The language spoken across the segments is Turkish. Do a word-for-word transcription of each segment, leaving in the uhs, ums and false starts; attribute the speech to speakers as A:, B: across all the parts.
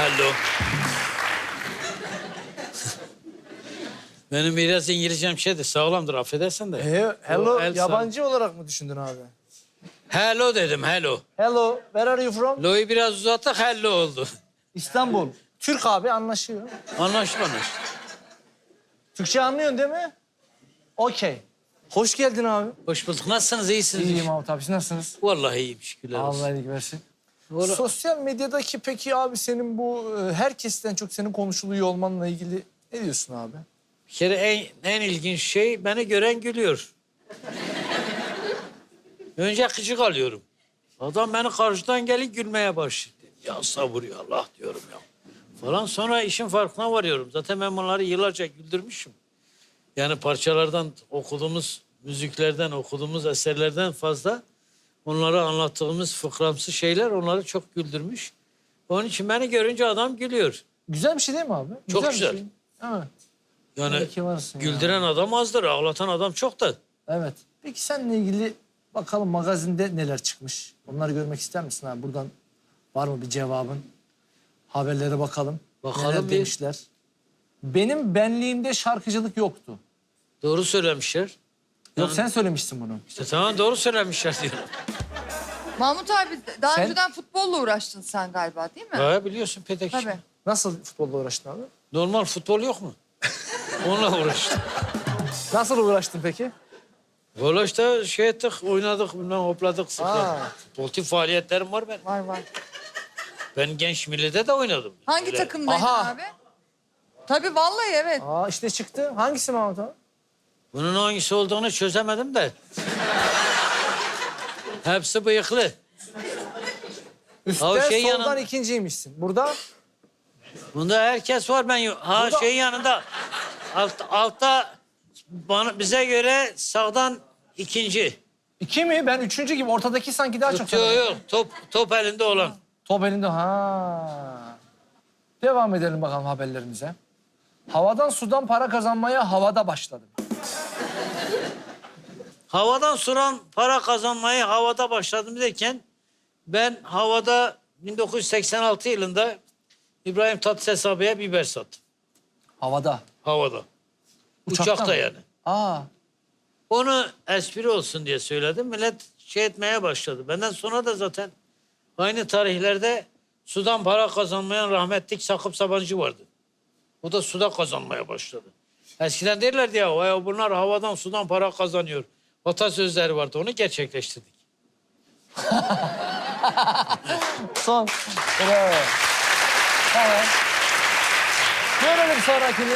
A: hello. Benim biraz İngilizcem şeydir, sağlamdır, affedersin de.
B: He, hello,
A: O el
B: yabancı olarak mı düşündün abi?
A: Hello dedim, hello.
B: Hello, where are you from?
A: Lo'yu biraz uzattık, hello oldu.
B: İstanbul. Türk abi, anlaşıyor.
A: Anlaştık, anlaştık.
B: Türkçe anlıyorsun değil mi? Okey. Hoş geldin abi.
A: Hoş bulduk. Nasılsınız, iyisiniz?
B: İyiyim abi tabii. Siz nasılsınız?
A: Vallahi iyiyim, şükürler olsun.
B: Allah iyilik versin.
A: Vallahi-
B: Sosyal medyadaki peki abi senin bu e, herkesten çok senin konuşuluyor olmanla ilgili ne diyorsun abi?
A: Bir kere en, en ilginç şey, beni gören gülüyor. Önce gıcık alıyorum. Adam beni karşıdan gelip gülmeye başladı. Ya sabır ya Allah diyorum ya. Falan sonra işin farkına varıyorum. Zaten ben bunları yıllarca güldürmüşüm. Yani parçalardan okuduğumuz, müziklerden okuduğumuz eserlerden fazla onlara anlattığımız fıkramsı şeyler onları çok güldürmüş. Onun için beni görünce adam gülüyor.
B: Güzel bir şey değil mi abi?
A: Çok
B: bir
A: güzel.
B: şey. Evet.
A: Yani
B: İyi ki varsın ya.
A: güldüren adam azdır, ağlatan adam çok da.
B: Evet. Peki seninle ilgili bakalım magazinde neler çıkmış? Onları görmek ister misin abi? Buradan var mı bir cevabın? Haberlere bakalım.
A: Bakalım
B: neler
A: bir.
B: demişler. Benim benliğimde şarkıcılık yoktu.
A: Doğru söylemişler.
B: Yok
A: Yani-
B: sen söylemiştin bunu.
A: İşte tamam doğru söylemişler diyorum.
C: Mahmut abi daha
B: Sen-
C: önceden futbolla uğraştın sen galiba değil mi?
A: Ha, biliyorsun Petek.
C: Tabii.
B: Nasıl futbolla uğraştın abi?
A: Normal futbol yok mu? Onunla uğraştım.
B: Nasıl uğraştın peki?
A: Valla işte şey ettik, oynadık, bilmem hopladık, sıkladık.
B: Aa.
A: Sportif faaliyetlerim var benim.
C: Var var.
A: Ben genç millide de oynadım.
C: Hangi
A: Öyle.
C: takımdaydın
B: Aha.
C: abi? Tabii vallahi evet.
B: Aa işte çıktı. Hangisi Mahmut abi?
A: Bunun hangisi olduğunu çözemedim de. Hepsi bıyıklı.
B: Üstten
A: Ha, o şey
B: soldan
A: yanın-
B: ikinciymişsin. Burada
A: Bunda herkes var ben yok. Ha
B: Burada-
A: şey yanında. Alt, altta bana, bize göre sağdan ikinci.
B: iki mi? Ben üçüncü gibi. Ortadaki sanki daha çok.
A: Yok
B: tanıdım.
A: yok top, top elinde olan.
B: Top elinde. Ha. Devam edelim bakalım haberlerimize. Havadan sudan para kazanmaya havada başladım.
A: Havadan suran para kazanmayı havada başladım derken ben havada bin dokuz yüz seksen altı yılında İbrahim Tatlıses abiye biber sattım.
B: Havada.
A: Havada.
B: Uçakta
A: Uçakta
B: mı?
A: yani.
B: Aa.
A: Onu espri olsun diye söyledim. Millet şey etmeye başladı. Benden sonra da zaten aynı tarihlerde sudan para kazanmayan rahmetlik Sakıp Sabancı vardı. O da suda kazanmaya başladı. Eskiden derlerdi ya, "Vay, bunlar havadan sudan para kazanıyor." Atasözleri vardı, onu gerçekleştirdik.
B: Son. Bravo. Tamam. Görelim sonrakini.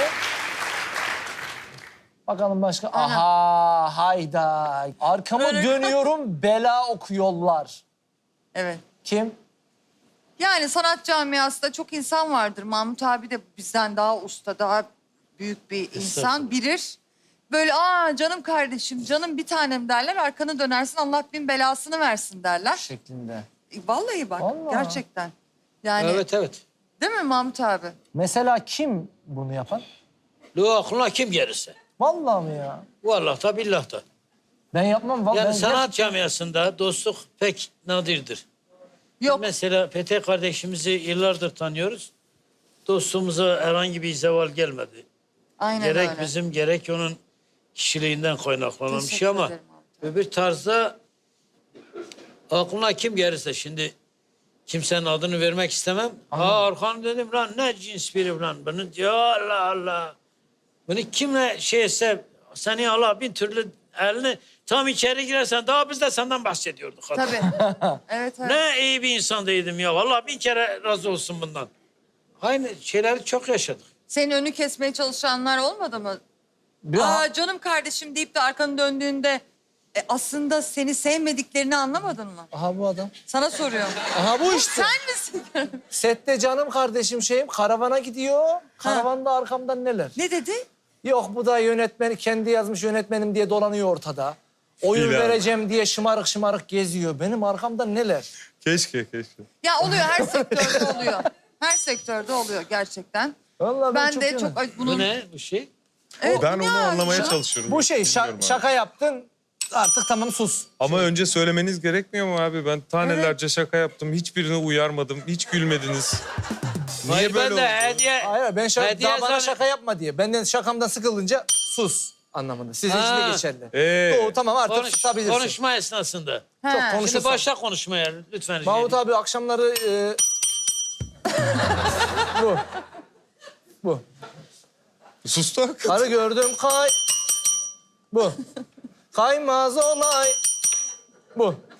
B: Bakalım başka. Aha hayda. Arkama
C: Öyle-
B: dönüyorum bela okuyorlar.
C: Evet.
B: Kim?
C: Yani sanat camiasında çok insan vardır. Mahmut abi de bizden daha usta, daha büyük bir insan
A: Estağfurullah.
C: bilir. Böyle aa canım kardeşim, canım bir tanem derler. Arkanı dönersin Allah bin belasını versin derler.
B: Şeklinde.
C: E, Vallahi bak
B: Vallahi.
C: gerçekten. Yani
A: Evet evet.
C: değil mi Mahmut abi?
B: Mesela kim bunu yapan?
A: Lu aklına kim gelirse.
B: Vallahi mi ya?
A: Vallahi da billah da.
B: Ben yapmam. Vallahi
A: Yani
B: ben
A: sanat camiasında dostluk pek nadirdir.
C: Yok.
A: Mesela Petek kardeşimizi yıllardır tanıyoruz. Dostluğumuza herhangi bir zeval gelmedi.
C: Aynen
A: Gerek
C: öyle.
A: bizim gerek onun kişiliğinden kaynaklanan bir
C: Teşekkür
A: şey ama
C: ederim abi.
A: öbür tarzda aklına kim gelirse şimdi kimsenin adını vermek istemem. Aa Orhan dedim lan ne cins biri lan bunu ya Allah Allah. Bunu kimle şeyse seni Allah bin türlü elini tam içeri girersen daha biz de senden bahsediyorduk. hatta.
C: Tabii. evet evet.
A: Ne iyi bir insandaydım ya. Vallahi bin kere razı olsun bundan. Aynı şeyleri çok yaşadık.
C: Senin önü kesmeye çalışanlar olmadı mı?
B: Bir
C: Aa canım kardeşim deyip de arkanı döndüğünde e, aslında seni sevmediklerini anlamadın mı?
B: Aha bu adam.
C: Sana soruyorum.
B: Aha bu işte.
C: Sen misin?
B: Sette canım kardeşim şeyim karavana gidiyor. Karavanda arkamdan neler?
C: Ne dedi?
B: Yok bu da yönetmen kendi yazmış yönetmenim diye dolanıyor ortada. Oyun
D: İlan.
B: vereceğim diye şımarık şımarık geziyor. Benim arkamdan neler?
D: Keşke, keşke.
C: Ya oluyor her sektörde oluyor. Her sektörde oluyor gerçekten.
B: Vallahi ben,
C: Ben,
B: çok
C: de
B: yanım.
C: çok ay,
A: Bu
C: bunun
A: ne bu şey?
C: Evet,
D: Ben onu
C: ya,
D: anlamaya
C: ya.
D: çalışıyorum.
B: Bu şey şa-
D: Bilmiyorum abi.
B: şaka yaptın. Artık tamam sus.
D: Ama önce söylemeniz gerekmiyor mu abi? Ben tanelerce şaka yaptım. Hiçbirine uyarmadım. Hiç gülmediniz. Niye
A: Hayır,
D: böyle
A: ben de
D: oldu?
A: hediye...
B: Hayır ben şaka,
A: hediye
B: daha bana
A: zan-
B: şaka yapma diye. Benden şakamdan sıkıldınca sus anlamında. Sizin için de
A: Ha.
B: geçerli.
D: Ee,
B: Doğru tamam artık
A: Konuş,
B: susabilirsin.
A: konuşma esnasında.
C: He.
B: Çok
A: Şimdi
B: konuşursan.
A: başla konuşmaya lütfen. rica
B: Mahmut
A: edeyim.
B: abi akşamları... E... bu. Bu.
D: sustuk.
B: Karı gördüm kay... Bu. Kaymaz olay. Bu.